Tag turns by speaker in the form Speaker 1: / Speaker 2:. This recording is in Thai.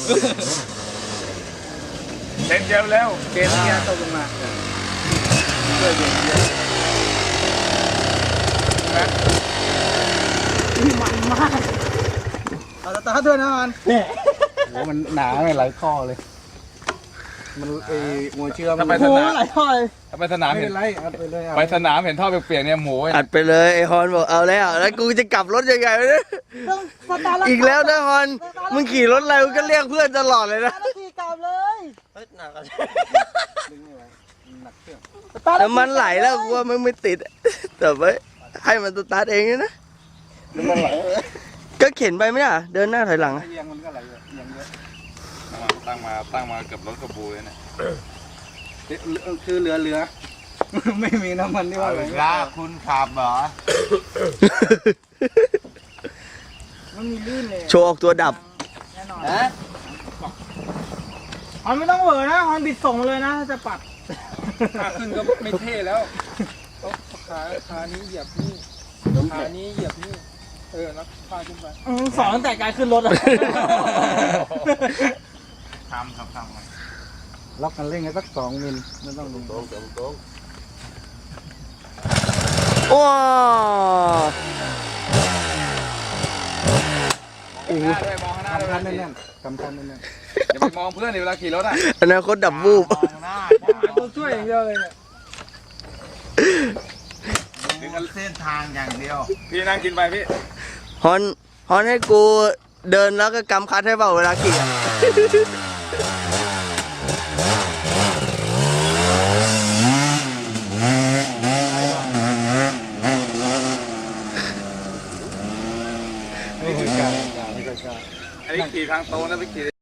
Speaker 1: เต็มเดียวแล้วเกมเกียร์ตกลงมาช่วยเบรกเยอะนะมันมากเอาตาด้วยนะมันโหมันหนาไม่ไหลข้อเลยมันหัวเชื่อมไปสนามไหลข้อเลยไปสนามเห็นไปสนามเห็นท่อเปียกๆเนี่ยหมู
Speaker 2: อัดไปเลยไอฮอนบอกเอาแล้วกูจะกลับรถยังไงวะเนี่ยอีกแล้วนะฮอนมึงขี่รถอะไรมึงก็เรียกเพื่อนตลอดเลยนะ
Speaker 3: ขี่กลับเลยหนัก
Speaker 2: แต่มันไหลแล้วกูว่ามันไม่ติดแต่ว่าให้มันสตาร์ทเองนะก็เข็นไปไม่ได้เดินหน้าถอยหลัง
Speaker 1: เอียงมันก็ไหลเอียงเยอะตั้งมาเกือบรถกระบูเลยนะคือเหลือไม่มีน้ำมันที่ว่าเลยคุณขับเหรอมันมีลื่นเลย
Speaker 2: โชว์ออกตัวดับ
Speaker 3: แน่นอนมันไม่ต้องเหวอนะมันบิดส่งเลยนะถ้าจะปัด
Speaker 1: ขาขึ้นก็ไม่เท่แล้วขานี้เหยียบนี่ขานี้เหยียบนี่แล้วพาขึ้นไป
Speaker 3: สอนตั้งแต่การขึ้นรถอะ
Speaker 1: ทำล็อกกันเร่งกันสัก2 มิลไม่ต้องลงตรง
Speaker 2: ว้า
Speaker 1: มองข้างหน้าด้วยแน่นๆกำคันแน่นๆอย่าไปมองเพื่อนเวลาขี่รถอ่ะ
Speaker 2: อนาคตดับวูบ
Speaker 1: ตัวช่วยอย่างเดียวเลยเนี่ยดึงกันเส้นทางอย่างเดียวพี่นั่งกินไปพี่
Speaker 2: ฮอนให้กูเดินแล้วก็กำคัดให้เปล่าเวลาขี่
Speaker 1: อันนี้ขี่ทางโตนะไปขี่